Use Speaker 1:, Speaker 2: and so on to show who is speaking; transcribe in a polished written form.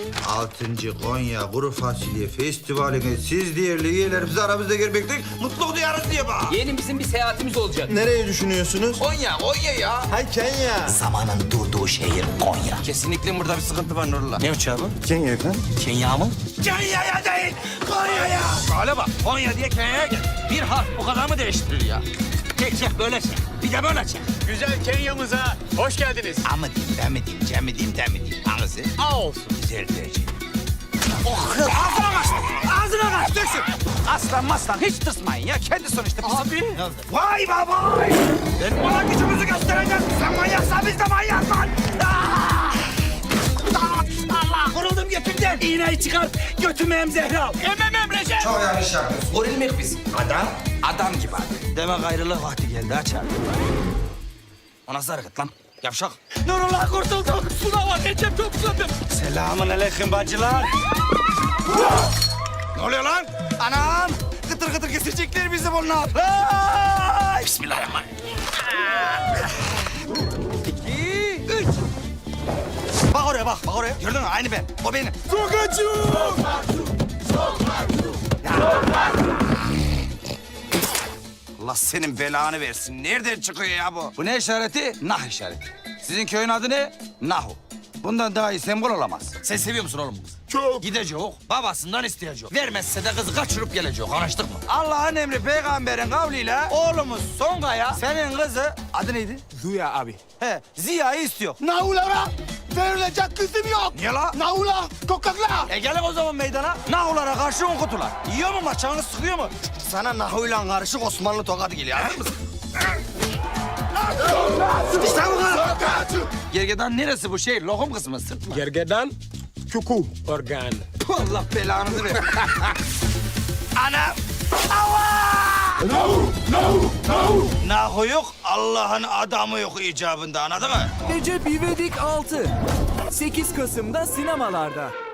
Speaker 1: 6. Konya Kuru Fasulye Festivali'ne siz değerli üyelerimiz aramızda gelmekten mutluluk duyarız diye bak.
Speaker 2: Yeğenim, bir seyahatimiz olacak.
Speaker 3: Nereye düşünüyorsunuz?
Speaker 1: Konya ya.
Speaker 3: Ha Kenya.
Speaker 4: Zamanın durduğu şehir Konya.
Speaker 1: Kesinlikle burada bir sıkıntı var Nurullah.
Speaker 4: Ne uçağı bu?
Speaker 3: Kenya efendim.
Speaker 4: Kenya mı?
Speaker 1: Kenya'ya değil, Konya'ya.
Speaker 4: Hale bak, Konya diye Kenya'ya gel. Bir harf bu kadar mı değiştirir ya? Çek böyle çek. Bir de böyle çek.
Speaker 5: Güzel Kenya'mıza hoş geldiniz.
Speaker 4: A mı diyeyim, B mi diyeyim, C mi diyeyim, D mi diyeyim? Hangisi?
Speaker 5: A olsun.
Speaker 4: Güzel derece. Oh, ağzına kaçtı. Ağzına kaçtı. Döksün. Aslan maslan hiç tırsmayın ya. Kendi sonuçta bizim.
Speaker 2: Abi.
Speaker 4: Vay baba. Ben buna gücümüzü göstereceğim. Sen manyaksan biz de manyak lan. Allah kuruldum götümden. İğneyi çıkar. Götümü emzehre al. Ememem Recep.
Speaker 1: Çok yanlış yapıyorsun.
Speaker 4: Gorilmek biz. Adam gibi abi. Demek ayrılık vakti geldi açar. O nasıl hareket lan? Yavşak. Nurullah kurtulduk. Sınava Recep topladım. Selamun aleyküm bacılar. Ne oluyor lan? Anam. Kıtır kıtır kesecekler bizi bunlar. Ay! Bismillahirrahmanirrahim. 2, 3. Bak oraya bak oraya. Gördün mü? Aynı ben. O benim. Allah senin belanı versin. Nereden çıkıyor ya bu? Bu ne işareti? Nah işareti. Sizin köyün adı ne? Nahu. Bundan daha iyi sembol olamaz. Sen seviyor musun oğlum bu kızı?
Speaker 5: Çok.
Speaker 4: Gidecek, babasından isteyecek. Vermezse de kızı kaçırıp gelecek. Anlaştık mı? Allah'ın emri peygamberin kavliyle oğlumuz Songa'ya senin kızı... Adı neydi?
Speaker 5: Zuya abi.
Speaker 4: He, Ziya'yı istiyor.
Speaker 5: Nahulara verilecek kızım yok.
Speaker 4: Niye la?
Speaker 5: Nahula, kokakla.
Speaker 4: Gelin o zaman meydana. Nahulara karşı on kutular. Yiyor mu maçağını sıkıyor mu? Sana Nahu'yla karışık Osmanlı tokadı geliyor. Anladın mı? İşte bu kadar. Gergedan neresi bu şey? Lokum kısmı sırt mı?
Speaker 5: Gergedan, kuku, organ.
Speaker 4: Allah belanızı ver. Anam. Allah! Nahu yok, Allah'ın adamı yok icabında anladın mı?
Speaker 6: Recep İvedik 6. 8 Kasım'da sinemalarda.